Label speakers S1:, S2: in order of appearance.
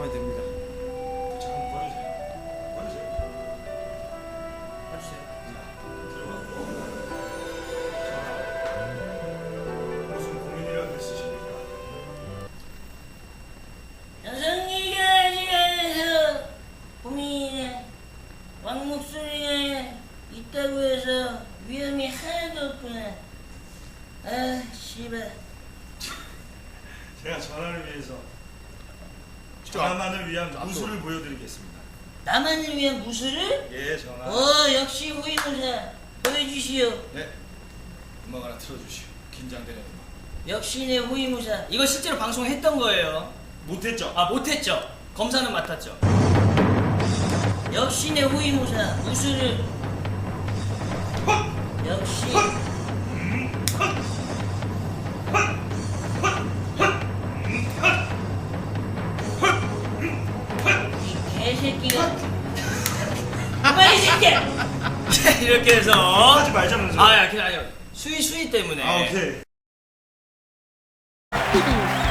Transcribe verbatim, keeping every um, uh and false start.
S1: 마음에 듭니다.
S2: 자, 한번 꺼주세요. 꺼주세요.
S1: 해주세요.
S2: 들어가고. 자, 무슨 고민이라도 있으십니까?
S3: 여성이가 시간에서 고민이네. 왕 목소리가 있다고 해서 위험이 하나도 없구나. 아, 씨발.
S2: 제가 전화를 위해서 전화만을 위한 무술을 보여드리겠습니다.
S3: 나만을 위한 무술을?
S2: 예, 전화.
S3: 어, 역시 호위무사. 보여주시오.
S1: 네. 음악 하나 틀어주시오. 긴장되는 음악.
S3: 역시 내 호위무사.
S4: 이거 실제로 방송했던 거예요.
S2: 못했죠?
S4: 아, 못했죠. 검사는 맡았죠.
S3: 역시 내 호위무사. 무술을. 역시. 이 개새끼가. 그만 이 새끼야!
S4: 이렇게 해서
S2: 하지 말자면서요.
S4: 아, 야, 그냥 아니요. 수위 수위 때문에.
S2: 아, 오케이.
S5: 삐